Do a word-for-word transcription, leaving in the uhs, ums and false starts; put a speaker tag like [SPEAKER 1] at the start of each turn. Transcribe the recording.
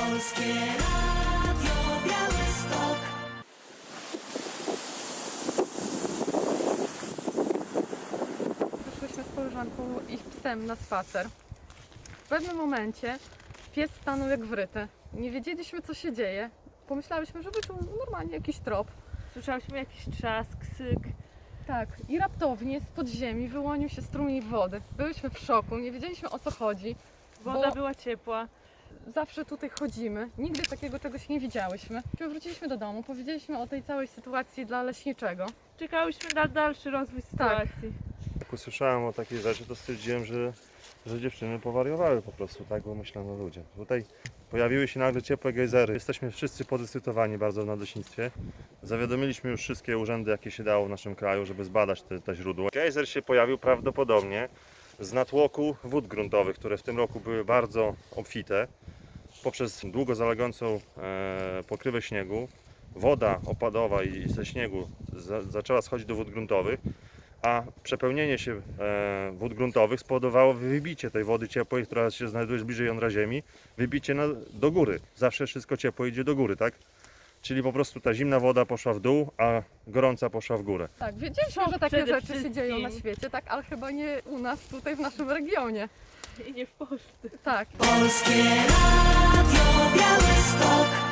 [SPEAKER 1] Polskie Radio Białystok.
[SPEAKER 2] Wyszłyśmy z koleżanką i psem na spacer. W pewnym momencie pies stanął jak wryty. Nie wiedzieliśmy, co się dzieje. Pomyślałyśmy, że wyczuł normalnie jakiś trop.
[SPEAKER 3] Słyszałyśmy jakiś trzask, syk.
[SPEAKER 2] Tak, i raptownie z podziemi wyłonił się strumień wody. Byłyśmy w szoku, nie wiedzieliśmy, o co chodzi.
[SPEAKER 3] Woda
[SPEAKER 2] Bo
[SPEAKER 3] była ciepła.
[SPEAKER 2] zawsze tutaj chodzimy, nigdy takiego czegoś nie widziałyśmy. Wróciliśmy do domu, powiedzieliśmy o tej całej sytuacji dla leśniczego.
[SPEAKER 3] Czekałyśmy na dalszy rozwój sytuacji.
[SPEAKER 4] Jak usłyszałem o takiej rzeczy, to stwierdziłem, że, że dziewczyny powariowały po prostu, tak, bo myślano o ludziach. Tutaj pojawiły się nagle ciepłe gejzery. Jesteśmy wszyscy podekscytowani bardzo w nadleśnictwie. Zawiadomiliśmy już wszystkie urzędy, jakie się dało w naszym kraju, żeby zbadać te, te źródła. Gejzer się pojawił prawdopodobnie z natłoku wód gruntowych, które w tym roku były bardzo obfite. Poprzez długo zalegającą e, pokrywę śniegu, woda opadowa i ze śniegu za, zaczęła schodzić do wód gruntowych, a przepełnienie się e, wód gruntowych spowodowało wybicie tej wody ciepłej, która się znajduje bliżej jądra ziemi, wybicie na, do góry. Zawsze wszystko ciepłe idzie do góry, tak? Czyli po prostu ta zimna woda poszła w dół, a gorąca poszła w górę.
[SPEAKER 2] Tak, wiedzieliśmy,
[SPEAKER 3] Szok
[SPEAKER 2] że takie
[SPEAKER 3] przede
[SPEAKER 2] rzeczy się dzieją na
[SPEAKER 3] wszystkim.
[SPEAKER 2] świecie, tak, ale chyba nie u nas, tutaj w naszym regionie.
[SPEAKER 3] I nie w Polsce.
[SPEAKER 2] Tak.
[SPEAKER 1] Polskie Radio Białystok.